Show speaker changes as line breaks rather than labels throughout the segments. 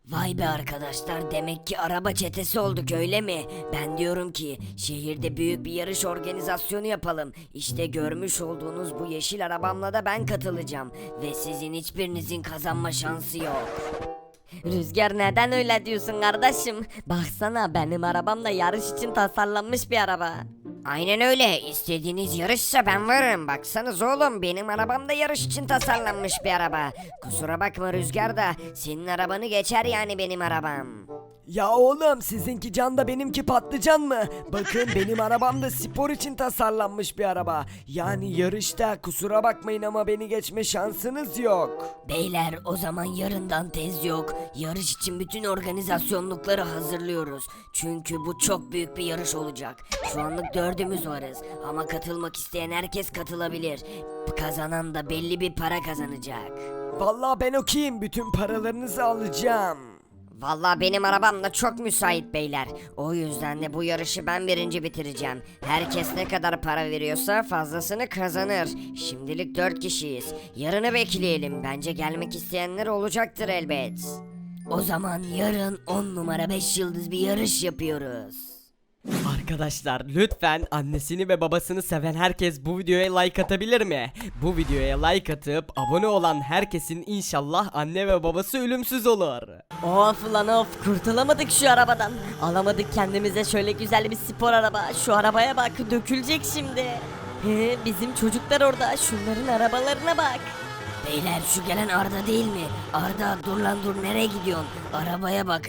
Vay be arkadaşlar, demek ki araba çetesi olduk öyle mi? Ben diyorum ki şehirde büyük bir yarış organizasyonu yapalım. İşte görmüş olduğunuz bu yeşil arabamla da ben katılacağım. Ve sizin hiçbirinizin kazanma şansı yok. Rüzgar, neden öyle diyorsun kardeşim? Baksana, benim arabam da yarış için tasarlanmış bir araba. Aynen öyle. İstediğiniz yarışsa ben varım. Baksanız oğlum, benim arabam da yarış için tasarlanmış bir araba. Kusura bakma Rüzgar da senin arabanı geçer yani benim arabam.
Ya oğlum, sizinki can da benimki patlıcan mı? Bakın, benim arabam da spor için tasarlanmış bir araba. Yani yarışta kusura bakmayın ama beni geçme şansınız yok.
Beyler, o zaman yarından tez yok. Yarış için bütün organizasyonlukları hazırlıyoruz. Çünkü bu çok büyük bir yarış olacak. Şu anlık dördümüz varız. Ama katılmak isteyen herkes katılabilir. Kazanan da belli bir para kazanacak.
Vallahi ben okuyayım, bütün paralarınızı alacağım.
Vallahi benim arabam da çok müsait beyler. O yüzden de bu yarışı ben birinci bitireceğim. Herkes ne kadar para veriyorsa fazlasını kazanır. Şimdilik 4 kişiyiz. Yarını bekleyelim. Bence gelmek isteyenler olacaktır elbet. O zaman yarın 10 numara 5 yıldız bir yarış yapıyoruz.
Arkadaşlar lütfen annesini ve babasını seven herkes bu videoya like atabilir mi? Bu videoya like atıp abone olan herkesin inşallah anne ve babası ölümsüz olur.
Of lan of, kurtulamadık şu arabadan. Alamadık kendimize şöyle güzel bir spor araba. Şu arabaya bak, dökülecek şimdi. Bizim çocuklar orada, şunların arabalarına bak.
Beyler, şu gelen Arda değil mi? Arda, dur lan dur, nereye gidiyorsun? Arabaya bak.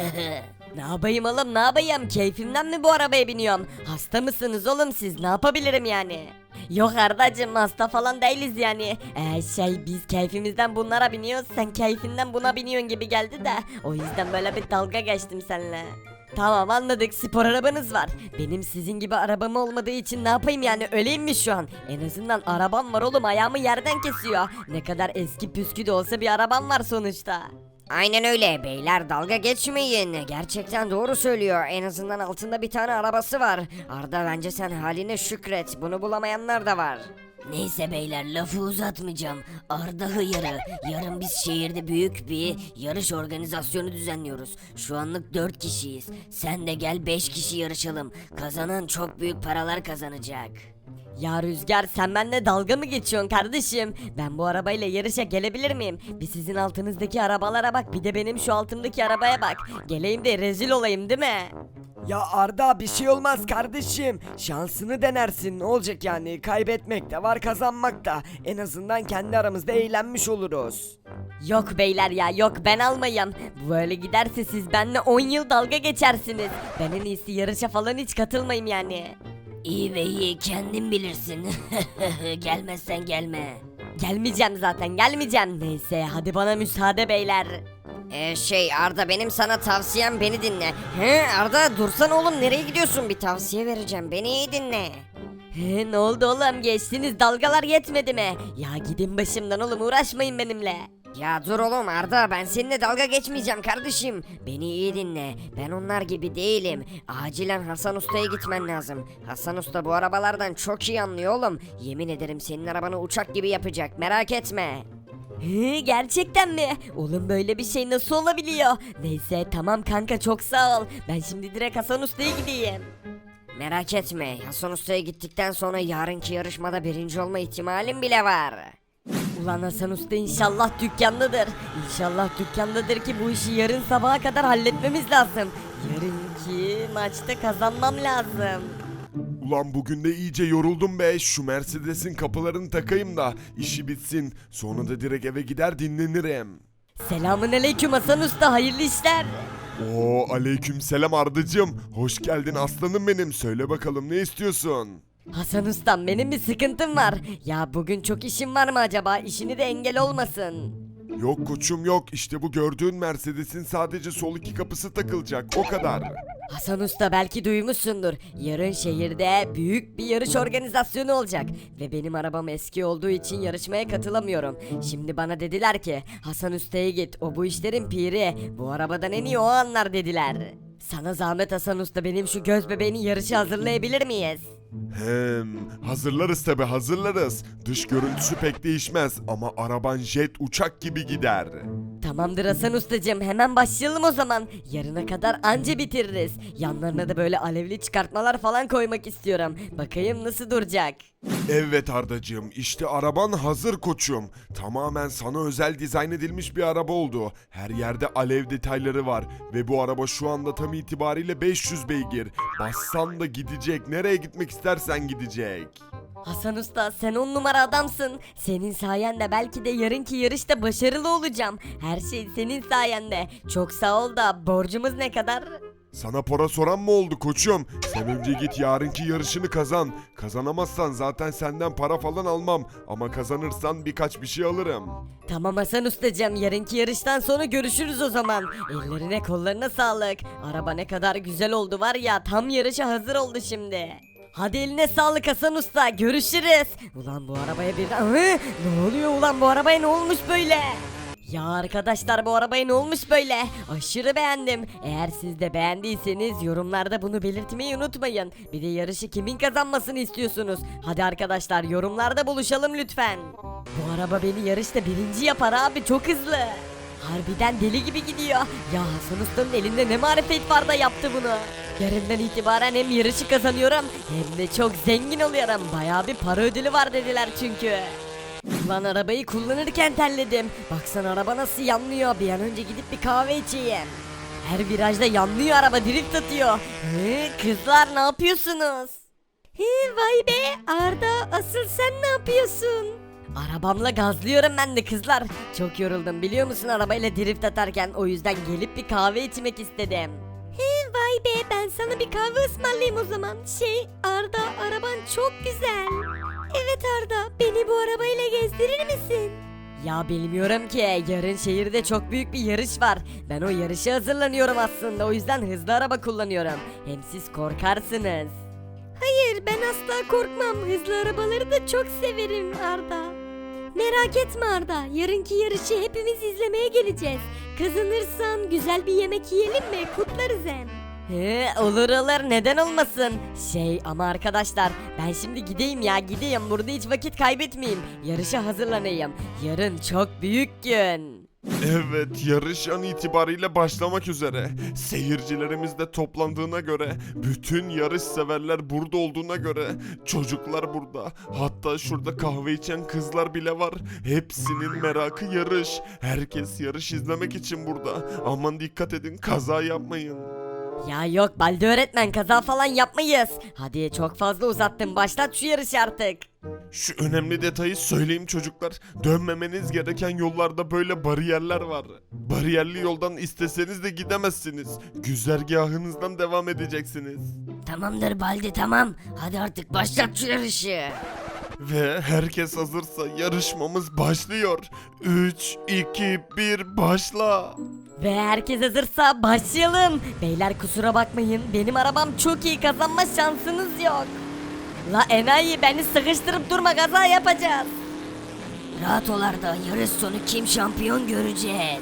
Ne yapayım oğlum, ne yapayım? Keyfimden mi bu arabaya biniyorum? Hasta mısınız oğlum siz? Ne yapabilirim yani? Yok Ardacığım, hasta falan değiliz yani. Biz keyfimizden bunlara biniyoruz. Sen keyfinden buna biniyorsun gibi geldi de. O yüzden böyle bir dalga geçtim seninle. Tamam, anladık, spor arabanız var. Benim sizin gibi arabam olmadığı için ne yapayım yani, öleyim mi şu an? En azından arabam var oğlum, ayağımı yerden kesiyor. Ne kadar eski püskü de olsa bir arabam var sonuçta.
Aynen öyle beyler, dalga geçmeyin. Gerçekten doğru söylüyor. En azından altında bir tane arabası var. Arda, bence sen haline şükret. Bunu bulamayanlar da var. Neyse beyler, lafı uzatmayacağım. Arda hıyarı. Yarın biz şehirde büyük bir yarış organizasyonu düzenliyoruz. Şu anlık 4 kişiyiz. Sen de gel, 5 kişi yarışalım. Kazanan çok büyük paralar kazanacak.
Ya Rüzgar, sen benimle dalga mı geçiyorsun kardeşim? Ben bu arabayla yarışa gelebilir miyim? Bir sizin altınızdaki arabalara bak, bir de benim şu altımdaki arabaya bak. Geleyim de rezil olayım değil mi?
Ya Arda, bir şey olmaz kardeşim. Şansını denersin, ne olacak yani? Kaybetmek de var, kazanmak da. En azından kendi aramızda eğlenmiş oluruz.
Yok beyler ya, yok, ben almayayım. Böyle giderse siz benimle 10 yıl dalga geçersiniz. Ben en iyisi yarışa falan hiç katılmayayım yani.
İyi ve iyi, kendin bilirsin. Gelmezsen gelme.
Gelmeyeceğim zaten, gelmeyeceğim. Neyse, hadi bana müsaade beyler.
Arda, benim sana tavsiyem, beni dinle. Arda, dursana oğlum, nereye gidiyorsun? Bir tavsiye vereceğim, beni iyi dinle.
Ne oldu oğlum, geçtiniz dalgalar yetmedi mi? Ya gidin başımdan oğlum, uğraşmayın benimle.
Ya dur oğlum Arda, ben seninle dalga geçmeyeceğim kardeşim. Beni iyi dinle. Ben onlar gibi değilim. Acilen Hasan Usta'ya gitmen lazım. Hasan Usta bu arabalardan çok iyi anlıyor oğlum. Yemin ederim senin arabanı uçak gibi yapacak, merak etme.
Gerçekten mi? Oğlum böyle bir şey nasıl olabiliyor? Neyse tamam kanka, çok sağ ol. Ben şimdi direkt Hasan Usta'ya gideyim.
Merak etme, Hasan Usta'ya gittikten sonra yarınki yarışmada birinci olma ihtimalim bile var.
Ulan Hasan Usta inşallah dükkandadır. İnşallah dükkandadır ki bu işi yarın sabaha kadar halletmemiz lazım. Yarınki maçta kazanmam lazım.
Ulan bugün de iyice yoruldum be. Şu Mercedes'in kapılarını takayım da işi bitsin. Sonra da direkt eve gider dinlenirim.
Selamun aleyküm Hasan Usta, hayırlı işler.
Oo, aleyküm selam Ardacığım. Hoş geldin aslanım benim. Söyle bakalım, ne istiyorsun?
Hasan Ustam, benim bir sıkıntım var. Ya bugün çok işim var mı acaba? İşini de engel olmasın.
Yok koçum yok. İşte bu gördüğün Mercedes'in sadece sol iki kapısı takılacak. O kadar.
Hasan Usta, belki duymuşsundur. Yarın şehirde büyük bir yarış organizasyonu olacak. Ve benim arabam eski olduğu için yarışmaya katılamıyorum. Şimdi bana dediler ki Hasan Usta'ya git, o bu işlerin piri. Bu arabadan en iyi o anlar dediler. Sana zahmet Hasan Usta, benim şu göz bebeğini yarışa hazırlayabilir miyiz?
Hazırlarız tabi hazırlarız. Dış görüntüsü pek değişmez ama araban jet uçak gibi gider.
Tamamdır Hasan ustacığım, hemen başlayalım o zaman. Yarına kadar anca bitiririz. Yanlarına da böyle alevli çıkartmalar falan koymak istiyorum. Bakayım nasıl duracak.
Evet Ardacığım, işte araban hazır koçum. Tamamen sana özel dizayn edilmiş bir araba oldu. Her yerde alev detayları var ve bu araba şu anda tam itibariyle 500 beygir. Bassan da gidecek, nereye gitmek istersen gidecek.
Hasan usta, sen 10 numara adamsın. Senin sayende belki de yarınki yarışta başarılı olacağım. Her şey senin sayende. Çok sağ ol da borcumuz ne kadar?
Sana para soran mı oldu koçum? Sen önce git yarınki yarışını kazan. Kazanamazsan zaten senden para falan almam. Ama kazanırsan birkaç bir şey alırım.
Tamam Hasan ustacığım, yarınki yarıştan sonra görüşürüz o zaman. Ellerine kollarına sağlık. Araba ne kadar güzel oldu var ya, tam yarışa hazır oldu şimdi. Hadi eline sağlık Hasan usta, görüşürüz. Ulan bu arabaya bir... Ne oluyor ulan, bu arabaya ne olmuş böyle? Ya arkadaşlar, bu arabaya ne olmuş böyle? Aşırı beğendim. Eğer siz de beğendiyseniz yorumlarda bunu belirtmeyi unutmayın. Bir de yarışı kimin kazanmasını istiyorsunuz? Hadi arkadaşlar, yorumlarda buluşalım lütfen. Bu araba beni yarışta birinci yapar abi, çok hızlı. Harbiden deli gibi gidiyor. Ya Hasan Usta'nın elinde ne marifet var da yaptı bunu. Yarından itibaren hem yarışı kazanıyorum hem de çok zengin oluyorum. Bayağı bir para ödülü var dediler çünkü. Ulan arabayı kullanırken terledim. Baksana araba nasıl yanlıyor. Bir an önce gidip bir kahve içeyim. Her virajda yanlıyor araba, drift atıyor. Kızlar ne yapıyorsunuz? Vay be Arda, asıl sen ne yapıyorsun? Arabamla gazlıyorum ben de kızlar. Çok yoruldum biliyor musun arabayla drift atarken, o yüzden gelip bir kahve içmek istedim. Vay be, ben sana bir kahve ısmarlayayım o zaman. Arda, araban çok güzel. Evet Arda, beni bu arabayla gezdirir misin? Ya bilmiyorum ki, yarın şehirde çok büyük bir yarış var. Ben o yarışa hazırlanıyorum aslında, o yüzden hızlı araba kullanıyorum. Hem siz korkarsınız. Hayır, ben asla korkmam. Hızlı arabaları da çok severim Arda. Merak etme Arda, yarınki yarışı hepimiz izlemeye geleceğiz. Kazanırsan güzel bir yemek yiyelim mi? Kutlarız hem. Olur olur, neden olmasın. Ama arkadaşlar, ben şimdi gideyim, burada hiç vakit kaybetmeyeyim. Yarışa hazırlanayım. Yarın çok büyük gün.
Evet, yarış an itibariyle başlamak üzere. Seyircilerimiz de toplandığına göre, bütün yarış severler burada olduğuna göre, çocuklar burada. Hatta şurada kahve içen kızlar bile var. Hepsinin merakı yarış. Herkes yarış izlemek için burada. Aman dikkat edin, kaza yapmayın.
Ya yok Baldi öğretmen, kaza falan yapmayız. Hadi çok fazla uzattın, başlat şu yarışı artık.
Şu önemli detayı söyleyeyim çocuklar. Dönmemeniz gereken yollarda böyle bariyerler var. Bariyerli yoldan isteseniz de gidemezsiniz. Güzergahınızdan devam edeceksiniz.
Tamamdır Baldi, tamam. Hadi artık başlat şu yarışı.
Ve herkes hazırsa yarışmamız başlıyor. 3, 2, 1 başla.
Ve herkes hazırsa başlayalım. Beyler kusura bakmayın, benim arabam çok iyi, kazanma şansınız yok. La enayi, beni sıkıştırıp durma, kaza yapacağız.
Rahat ol Arda, yarış sonu kim şampiyon göreceğiz.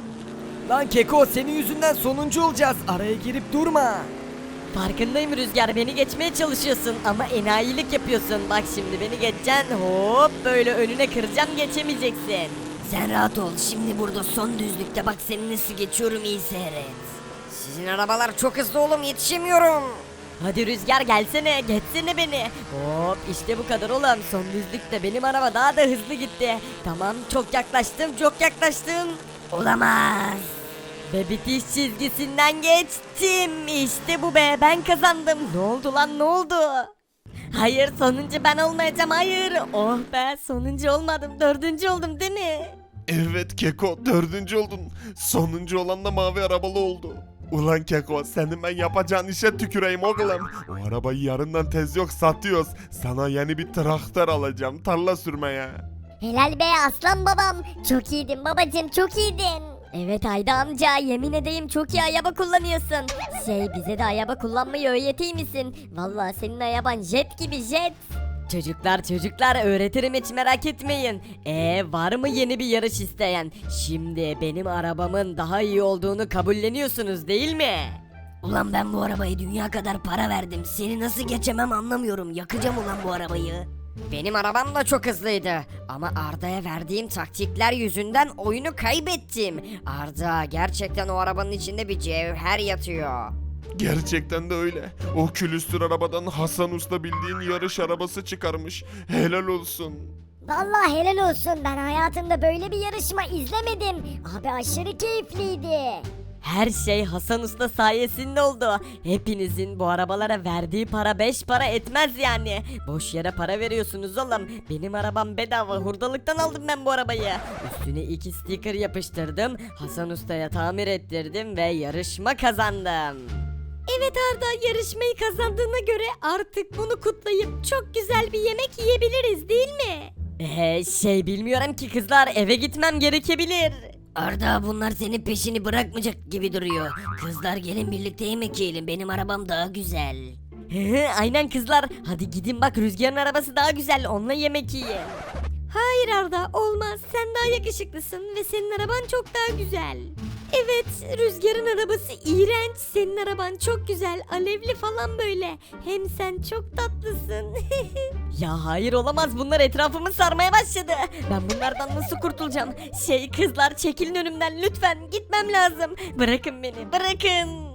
Lan Keko, senin yüzünden sonuncu olacağız. Araya girip durma.
Farkındayım Rüzgar, beni geçmeye çalışıyorsun ama enayilik yapıyorsun. Bak şimdi beni geçeceksin, hop böyle önüne kıracağım, geçemeyeceksin.
Sen rahat ol, şimdi burada son düzlükte bak seni nasıl geçiyorum, iyi seyret. Sizin arabalar çok hızlı oğlum, yetişemiyorum.
Hadi Rüzgar gelsene, geçsene beni. Hop işte bu kadar oğlum, son düzlükte benim araba daha da hızlı gitti. Tamam, çok yaklaştım.
Olamaz.
Ve bitiş çizgisinden geçtim. İşte bu be, ben kazandım. Ne oldu lan, ne oldu? Hayır, sonuncu ben olmayacağım, hayır. Oh be, sonuncu olmadım, dördüncü oldum değil mi?
Evet Keko, 4. oldun. Sonuncu olan da mavi arabalı oldu. Ulan Keko, senin ben yapacağın işe tüküreyim oğlum. O arabayı yarından tez yok satıyoruz. Sana yeni bir traktör alacağım, tarla sürmeye.
Helal be aslan babam. Çok iyiydin babacım, çok iyiydin. Evet Ayda amca, yemin edeyim çok iyi araba kullanıyorsun. Bize de araba kullanmayı öğreteyim misin? Vallahi senin araban jet gibi, jet.
Çocuklar öğretirim, hiç merak etmeyin. Var mı yeni bir yarış isteyen? Şimdi benim arabamın daha iyi olduğunu kabulleniyorsunuz değil mi?
Ulan ben bu arabayı dünya kadar para verdim. Seni nasıl geçemem anlamıyorum. Yakacağım ulan bu arabayı. Benim arabam da çok hızlıydı. Ama Arda'ya verdiğim taktikler yüzünden oyunu kaybettim. Arda, gerçekten o arabanın içinde bir cevher yatıyor.
Gerçekten de öyle. O külüstür arabadan Hasan Usta bildiğin yarış arabası çıkarmış. Helal olsun.
Vallahi helal olsun, ben hayatımda böyle bir yarışma izlemedim. Abi aşırı keyifliydi.
Her şey Hasan Usta sayesinde oldu. Hepinizin bu arabalara verdiği para 5 para etmez yani. Boş yere para veriyorsunuz oğlum. Benim arabam bedava, hurdalıktan aldım ben bu arabayı. Üstüne 2 sticker yapıştırdım. Hasan Usta'ya tamir ettirdim ve yarışma kazandım. Evet Arda, yarışmayı kazandığına göre artık bunu kutlayıp çok güzel bir yemek yiyebiliriz değil mi? Bilmiyorum ki kızlar, eve gitmem gerekebilir.
Arda, bunlar senin peşini bırakmayacak gibi duruyor. Kızlar gelin birlikte yemek yiyelim. Benim arabam daha güzel.
Aynen kızlar, hadi gidin bak, Rüzgar'ın arabası daha güzel, onunla yemek yiyin. Hayır Arda, olmaz, sen daha yakışıklısın ve senin araban çok daha güzel. Evet, Rüzgar'ın arabası iğrenç, senin araban çok güzel, alevli falan böyle. Hem sen çok tatlısın. Ya hayır, olamaz, bunlar etrafımı sarmaya başladı. Ben bunlardan nasıl kurtulacağım? Kızlar çekilin önümden lütfen, gitmem lazım. Bırakın beni, bırakın.